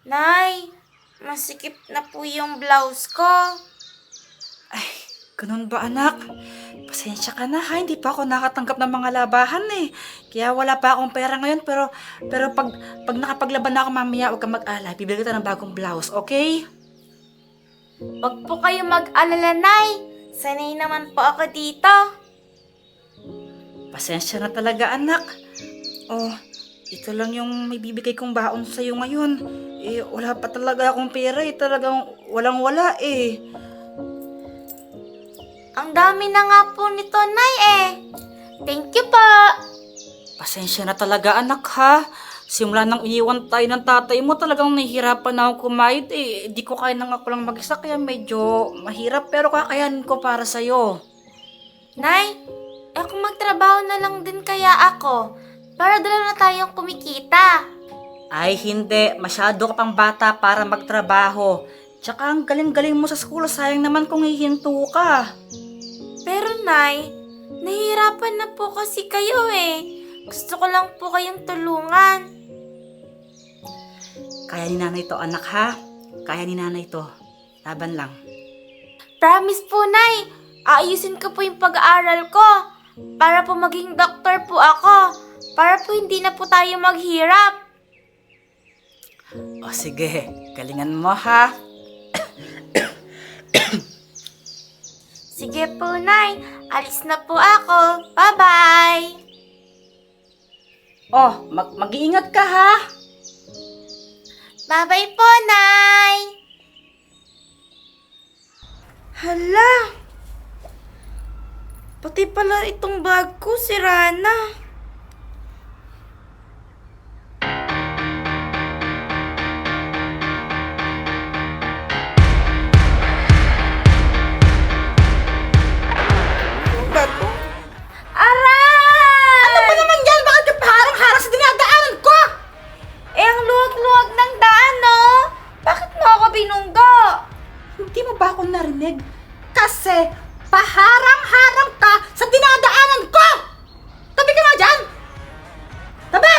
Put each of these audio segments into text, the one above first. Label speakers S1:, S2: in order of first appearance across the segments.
S1: Nay, masikip na po yung blouse ko.
S2: Ay, ganun ba anak? Pasensya ka na ha, hindi pa ako nakatanggap ng mga labahan eh. Kaya wala pa akong pera ngayon pero pag nakapaglaban na ako mamaya, huwag kang mag-alala. Bibili kita ng bagong blouse, okay?
S1: Huwag po kayo mag-alala, Nay. Sanay naman po ako dito.
S2: Pasensya na talaga anak. Oh, ito lang yung may bibigay kong baon sa'yo ngayon. Eh, wala pa talaga akong pera eh. Talagang walang-wala eh.
S1: Ang dami na nga po nito, Nay eh. Thank you po.
S2: Pasensya na talaga anak ha. Simula nang iniwan tayo ng tatay mo, talagang nahihirapan na akong kumayod eh. Di ko kaya nang ako lang mag-isa kaya medyo mahirap pero kakayanin ko para sa'yo.
S1: Nay, kung magtrabaho na lang din kaya ako, para dalawa na tayong kumikita.
S2: Ay hindi, masyado ka pang bata para magtrabaho. Tsaka ang galing-galing mo sa school, sayang naman kung hihinto ka.
S1: Pero Nay, nahihirapan na po kasi kayo eh. Gusto ko lang po kayong tulungan.
S2: Kaya ni nanay to anak ha. Kaya ni nanay to. Laban lang.
S1: Promise po, Nay. Aayusin ko po yung pag-aaral ko. Para po maging doktor po ako. Para po hindi na po tayo maghirap.
S2: O sige, galingan mo ha.
S1: Sige po, Nay. Alis na po ako. Bye-bye.
S2: Oh, mag-iingat ka ha.
S1: Bye-bye po, Nay. Hala. Pati pala itong bag ko, sira na. Aray!
S2: Ano ba naman yan? Bakit ka paharang-harang sa dinadaanan ko?
S1: Ang luwag-luwag ng daan, no? Bakit mo ako binunggo?
S2: Hindi mo ba ako narinig? Kasi paharang-harang ka sa dinadaanan ko! Tabi ka nga dyan! Tabi!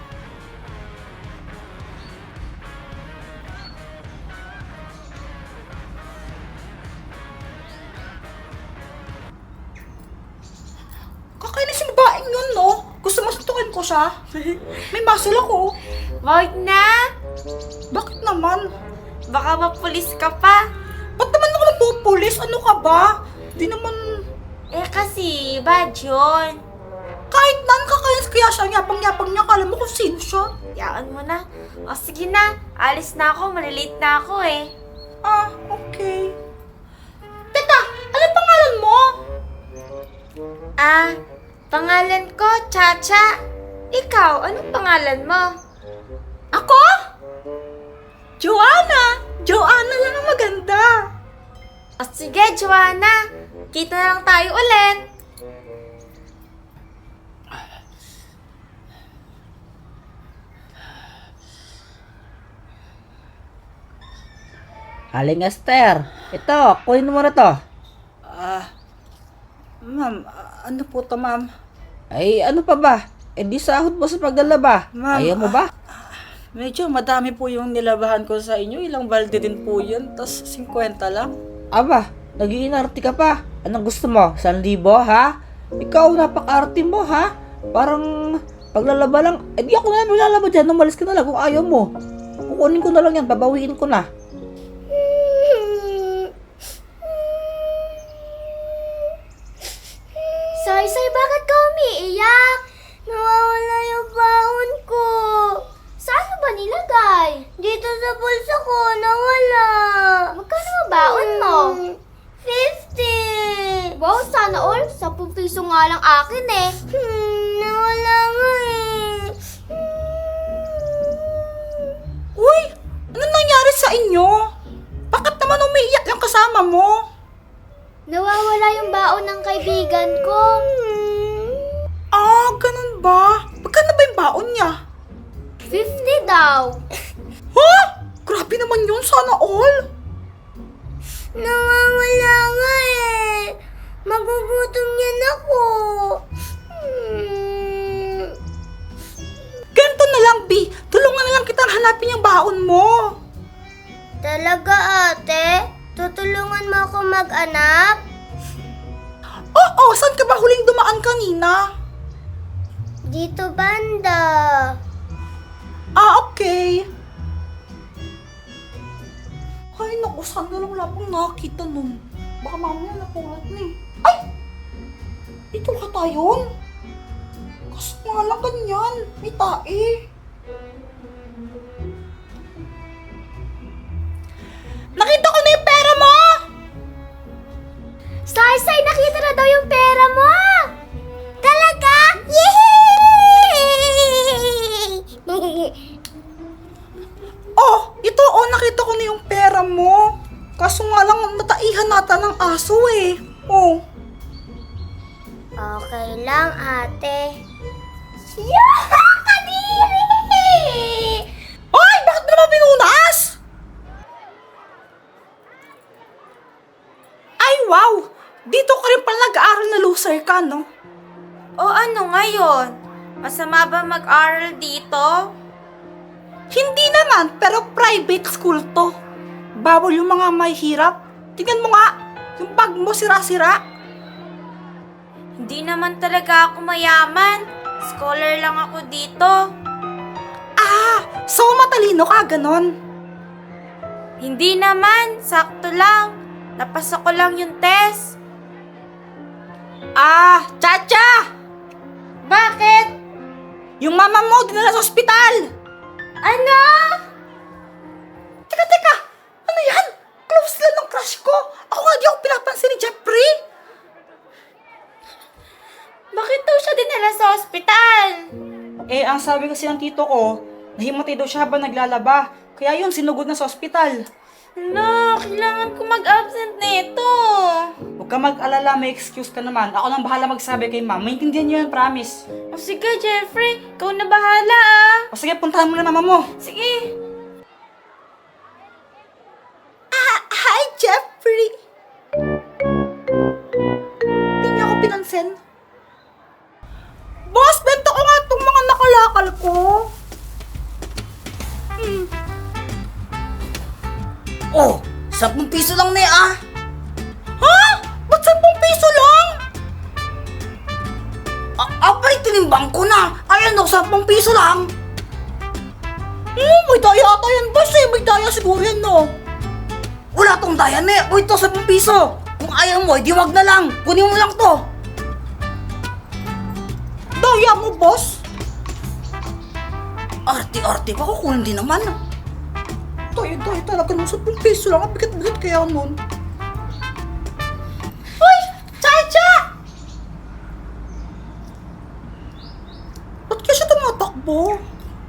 S2: Kakainis yung babaeng yun, no? Gusto mo suntukin ko siya? May muscle ako.
S1: Wag na.
S2: Bakit naman?
S1: Baka mapulis ka pa.
S2: Ba't naman ako nagpupulis? Ano ka ba? Di naman...
S1: Kasi, bad yun.
S2: Kahit nan kakainis kaya siya, yapang-yapang niya. Kala mo kung sino siya.
S1: Yaan mo na. O sige na, alis na ako, malilate na ako eh.
S2: Ah, okay. Teka, ano pangalan mo?
S1: Pangalan ko, Chacha. Ikaw, anong pangalan mo?
S2: Ako? Joanna! Joanna lang ang maganda.
S1: O sige, Joanna. Kita na lang tayo ulit.
S3: Aling Esther, ito, kunin mo na to.
S2: Ma'am, ano po to, ma'am?
S3: Ay, ano pa ba? Eh di sahod mo sa paglalaba.
S2: Ma'am,
S3: Ayaw mo ba?
S2: Medyo madami po yung nilabahan ko sa inyo. Ilang balde din po yun. Tapos 50 lang.
S3: Aba, nag-iinarte ka pa. Anong gusto mo? 1,000, ha? Ikaw, napaka-arte mo, ha? Parang paglalaba lang. Eh di ako na maglalaba dyan. Umalis ka na lang kung ayaw mo. Kukunin ko na lang yan. Babawiin ko na.
S1: Say, bakit ka umiiyak? Nawawala yung baon ko. Saan mo ba nilagay? Dito sa bulsa ko, nawala. Magkano ang baon mo? 50. Wow, sana all. 10 piso nga lang akin eh. Nawala nga eh.
S2: Uy! Ano nangyari sa inyo? Bakit naman umiiyak yung kasama mo?
S1: Nawawala yung baon ng kaibigan ko.
S2: Ah, ganun ba? Magkano ba yung baon niya?
S1: 50 daw.
S2: Ha? Grabe naman yun, sana all.
S1: Nawawala nga eh. Magugutom yan ako.
S2: Ganito na lang, B. Tulungan na lang kitang hanapin yung baon mo.
S1: Talaga, ate? Tutulungan mo ako mag-anak?
S2: Oo, saan ka ba huling dumaan kanina?
S1: Dito banda.
S2: Okay. Ay, naku, saan na lang wala pang nakakita nun. Baka mamaya napulat na eh. Ay! Ito ka tayo? Kaso nga lang ganyan. May tae. Nakita ko na yung pera mo!
S1: Saysay, nakita na daw yung pera mo! Talaga? Yay!
S2: Oh, ito nakita ko na yung pera mo. Kaso nga lang nataihan nata ng aso eh. Oh.
S1: Okay lang, ate. Yeah! Kadiri!
S2: Ay, bakit mo naman pinunas? Ay, wow! Dito ka rin pala nag-aaral na loser ka, no?
S4: O ano ngayon? Masama ba mag-aral dito?
S2: Hindi naman, pero private school to. Bawal yung mga may hirap. Tingnan mo nga, yung bag mo sira-sira.
S4: Hindi naman talaga ako mayaman. Scholar lang ako dito.
S2: Ah, so matalino ka, ganon.
S4: Hindi naman, sakto lang. Napasa ko lang yung test.
S2: Ah, Chacha!
S4: Bakit?
S2: Yung mama mo dinala sa ospital.
S4: Ano?
S2: Teka, ano yan? Close lang ng crush ko. Ako nga di ako pinapansin ni Jeffrey.
S4: Bakit daw siya dinala sa ospital?
S2: Eh, ang sabi kasi ng tito ko, nahimatay daw siya habang naglalaba. Kaya yun, sinugod na sa ospital.
S4: Hala, kailangan ko mag-absent nito.
S2: Huwag ka mag-alala, may excuse ka naman. Ako lang bahala magsabi kay ma'am. Maintindihan niyo yan, promise.
S4: O sige, Jeffrey, ikaw na bahala ah.
S2: O sige, puntahan mo na mama mo.
S4: Sige.
S2: Hi, Jeffrey! Hindi niya ako pinansin. Boss, benta ko nga itong mga nakalakal ko.
S3: Oh, 10 piso lang na ah.
S2: Ha? Ba't 10 piso lang?
S3: Apay, tinimbang ko na. Ayan o, 10 piso lang.
S2: May daya ata yan, boss eh. May daya siguro yan, no?
S3: Wala tong dayan eh. O ito, 10 piso. Kung ayaw mo, di wag na lang. Kunin mo lang to.
S2: Daya mo, boss?
S3: Arte-arte pa, kukunin din naman.
S2: Daya talaga ng 10 piso lang. Ang bigat-bigat kaya nun.
S4: Chacha!
S2: Ba't kaya siya tumatakbo?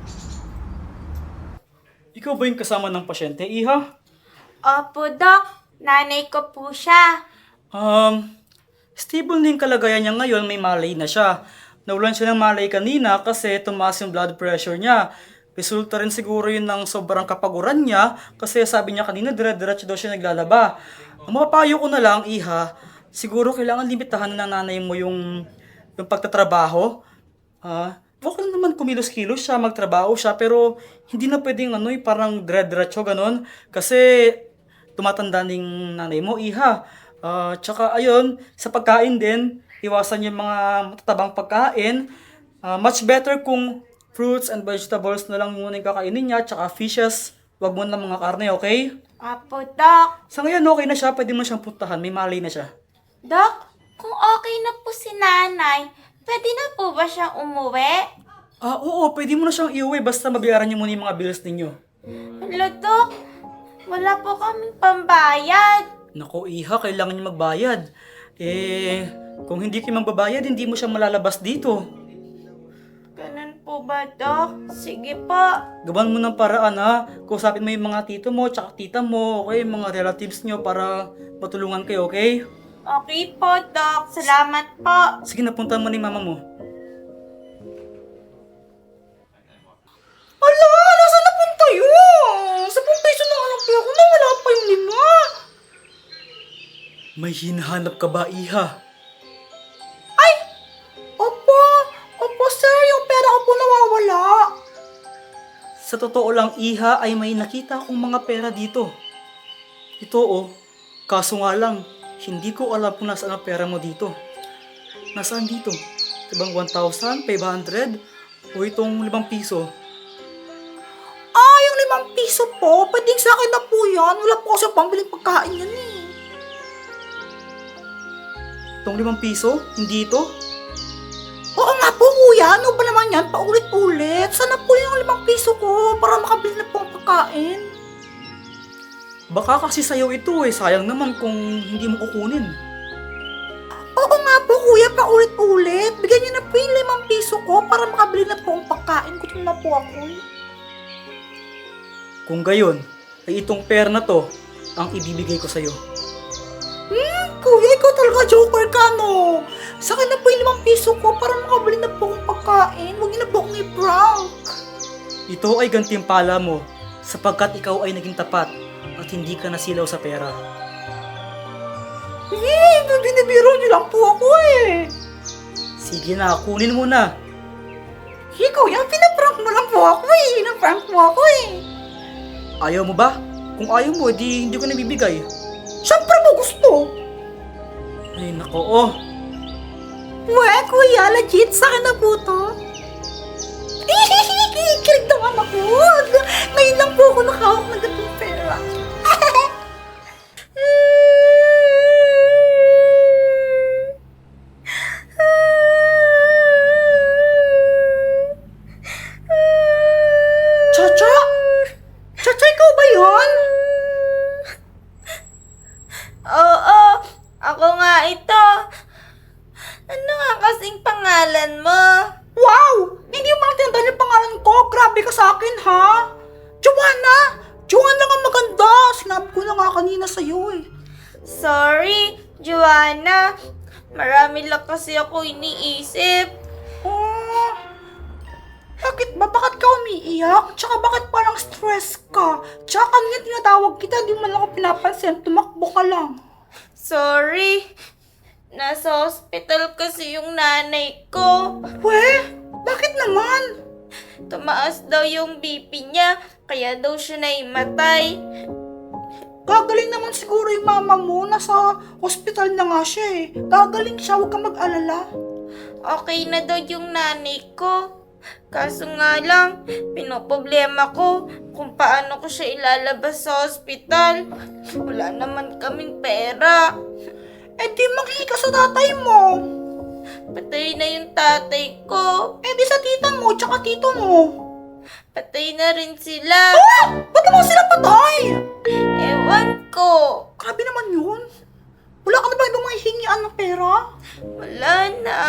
S2: Ikaw ba yung kasama ng pasyente, Iha?
S4: Opo, Doc. Nanay ko po siya.
S2: Stable na yung kalagayan niya ngayon, may malay na siya. Nawalan siya ng malay kanina kasi tumaas yung blood pressure niya. Resulta rin siguro yun ng sobrang kapaguran niya kasi sabi niya kanina dire-diretso daw siya naglalaba. Ang mapapayo ko na lang, Iha, siguro kailangan limitahan na ng nanay mo yung pagtatrabaho. Okay lang naman kumilos-kilos siya, magtrabaho siya, pero hindi na pwedeng parang dire-diretso ganon kasi tumatanda ng nanay mo, Iha. Tsaka ayun, sa pagkain din, iwasan yung mga matatabang pagkain. Much better kung fruits and vegetables na lang muna yung kakainin niya, tsaka fishes. Huwag mo na mga karne, okay?
S4: Opo, Doc.
S2: Sa ngayon, okay na siya. Pwede mo siyang puntahan. May malay na siya.
S4: Doc, kung okay na po si nanay, pwede na po ba siyang umuwi?
S2: Oo, pwede mo na siyang iuwi basta mabayaran niyo muna yung mga bills ninyo.
S4: Hala, Doc. Wala po kaming pambayad.
S2: Nako, Iha, kailangan niyo magbayad. Kung hindi kayo magbabayad, hindi mo siya malalabas dito.
S4: Ganun po ba, Doc? Sige po.
S2: Gawan mo ng paraan, ha? Kusapin mo yung mga tito mo, tsaka tita mo, okay? Mga relatives niyo para matulungan kayo, okay?
S4: Okay po, Doc. Salamat po.
S2: Sige, napunta mo ni mama mo. Ala, nasa napunta yun? 10 peso na alam ko ako na wala pa yung 5. May hinahanap ka ba, Iha? Ay! Opo, sir, yung pera ko po nawawala. Sa totoo lang, Iha, ay may nakita akong mga pera dito. Ito oh, kaso nga lang, hindi ko alam kung nasaan ang pera mo dito. Nasaan dito? Ibang 1,500 o itong 5 piso? Yung 5 piso po, pwedeng sa akin na po yan. Wala po kasi pambiling pagkain yan eh. Itong 5 piso? Hindi ito? Oo nga po kuya, ano ba naman yan? Paulit-ulit. Sana po yung 5 piso ko para makabili na po ang pagkain. Baka kasi sa'yo ito eh. Sayang naman kung hindi mo kukunin. Oo nga po kuya, paulit-ulit. Bigyan niyo na po yung 5 piso ko para makabili na po ang pagkain. Gutom na po ako. Kung gayon, ay itong pera na to ang ibibigay ko sa'yo. Kuya, ikaw talaga joker ka, no? Sa akin na po yung 5 piso ko para makabili na po akong pagkain. Huwag niyo na po akong i-prank. Ito ay gantimpala mo sapagkat ikaw ay naging tapat at hindi ka nasilaw sa pera. Binibiro niyo lang po ako eh. Sige na, kunin mo na. Ikaw yan, pinaprank mo lang po ako eh. Pinaprank mo ako eh. Ayaw mo ba? Kung ayaw mo, hindi ko nabibigay. Siyempre mo gusto. Ay, nako, oh. Kuya, legit sa akin na po to. Kilig naman ako. Ngayon lang po ako nakahawak ng gatong pera. Chacha? Chacha, ikaw ba yun?
S4: Oo, ako nga ito. Ano nga kasing pangalan mo?
S2: Wow! Hindi mo pala tinatawag yung pangalan ko. Grabe ka sa akin, ha? Joanna! Joanna nga maganda. Sinabi ko na nga kanina sa'yo eh.
S4: Sorry, Joanna. Marami lang kasi ako iniisip.
S2: Oh, bakit ba? Bakit ka umiiyak? Tsaka bakit parang stress ka? Tsaka kanina tinatawag kita, di man ako pinapansin. Tumakbo ka lang.
S4: Sorry. Nasa hospital kasi yung nanay ko.
S2: Weh, bakit naman?
S4: Tumaas daw yung BP niya, kaya daw siya naimatay.
S2: Gagaling naman siguro yung mama mo. Nasa hospital na nga siya eh. Gagaling siya, huwag kang mag-alala.
S4: Okay na daw yung nanay ko. Kaso nga lang, pinoproblema ko kung paano ko siya ilalabas sa hospital. Wala naman kaming pera.
S2: Eh di maghihi ka sa tatay mo.
S4: Patay na yung tatay ko.
S2: Eh di sa tita mo, tsaka tito mo.
S4: Patay na rin sila.
S2: Ba't naman sila patay?
S4: Ewan ko.
S2: Grabe naman yun. Wala ka na ba ibang mahihingian ng pera?
S4: Wala na.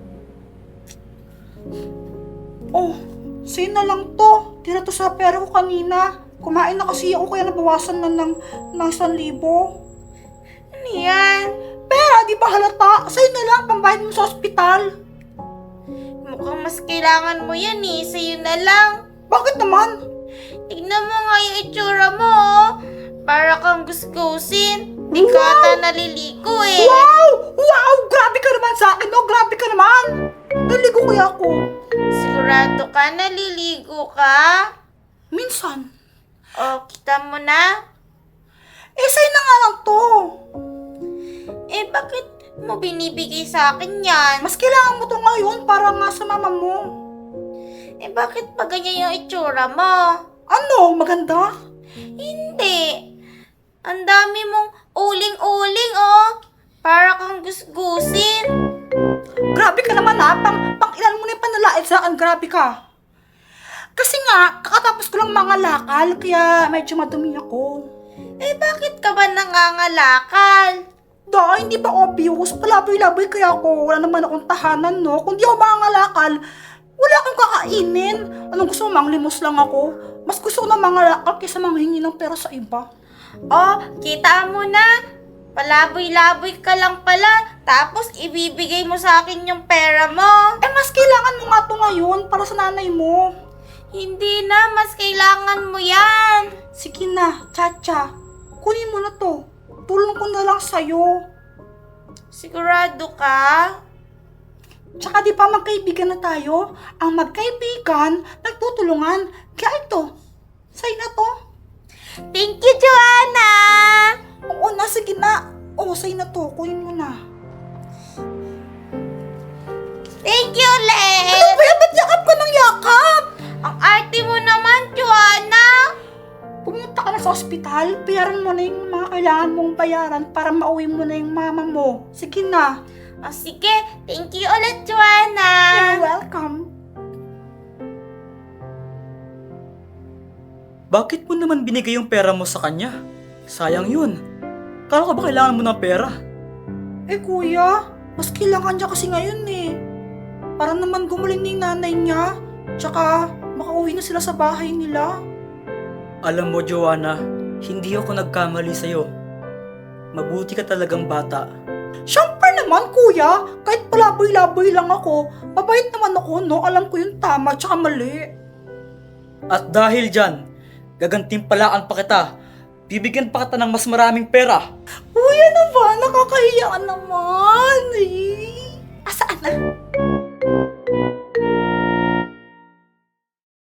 S2: Oh, sa'yo na lang to. Tira to sa pera ko kanina. Kumain na kasi ako kaya nabawasan na ng 1,000.
S4: Ano yan?
S2: Pera, di ba halata? Sa'yo na lang, pambayad mo sa ospital.
S4: Mukhang mas kailangan mo yan eh. Sa'yo na lang.
S2: Bakit naman?
S4: Tignan mo nga yung itsura mo oh. Para kang gusgusin. Di ka ata naliligo eh.
S2: Wow! Wow! Grabe ka naman sa akin, oh! Grabe ka naman! Naligo kaya ako.
S4: Sigurado ka naliligo ka?
S2: Minsan.
S4: O, kita mo na?
S2: Eh, sa'yo na nga lang to.
S4: Eh, bakit mo binibigay sa akin yan?
S2: Mas kailangan mo to ngayon para nga sa mama mo.
S4: Eh, bakit pa ganyan yung itsura mo?
S2: Ano? Maganda?
S4: Hindi. Ang dami mong uling-uling, oh. Para kang gusgusin.
S2: Grabe ka naman ha. Pang ilan mo na yung panalait sa akin. Grabe ka. Kasi nga, kakatapos ko lang mga lakal, kaya medyo madumi ako.
S4: Eh, bakit ka ba nangangalakal?
S2: Hindi ba obvious? Palaboy-laboy kaya ako. Wala naman akong tahanan, no? Kung di ako mangalakal, wala akong kakainin. Anong gusto mo? Manglimos lang ako. Mas gusto ko na mangalakal kaysa manghingi ng pera sa iba.
S4: Oh, kita mo na. Palaboy-laboy ka lang pala. Tapos, ibibigay mo sa akin yung pera mo.
S2: Eh, mas kailangan mo nga to ngayon para sa nanay mo.
S4: Hindi na, mas kailangan mo yan.
S2: Sige na, Chacha. Kunin mo na to. Tulong ko na lang sa'yo.
S4: Sigurado ka?
S2: Tsaka di pa magkaibigan na tayo? Ang magkaibigan, nagtutulungan. Kaya ito, sa'yo na to.
S4: Thank you, Joanna!
S2: Oo na, sige na. Oo, sa'yo na to. Kunin mo na.
S4: Thank you, Les!
S2: Ano ba yan? Ba't yakap ka ng yakap?
S4: Ang arte mo naman, Joanna!
S2: Pumunta ka na sa ospital, bayaran mo na yung mga kailangan mong bayaran para mauwi mo na yung mama mo. Sige na.
S4: O sige, thank you ulit, Joanna!
S2: You're welcome.
S5: Bakit mo naman binigay yung pera mo sa kanya? Sayang yun. Kala ko ba kailangan mo ng pera?
S2: Eh kuya, mas kailangan niya kasi ngayon eh. Para naman gumaling ni nanay niya. Tsaka makauwi na sila sa bahay nila.
S5: Alam mo, Joanna, hindi ako nagkamali sa'yo. Mabuti ka talagang bata.
S2: Siyempre naman kuya, kahit palaboy-laboy lang ako, mabait naman ako no, alam ko yung tama tsaka mali.
S5: At dahil dyan, gagantimpalaan pa kita. Bibigyan pa kita ng mas maraming pera.
S2: Kuya naman, nakakahiya naman.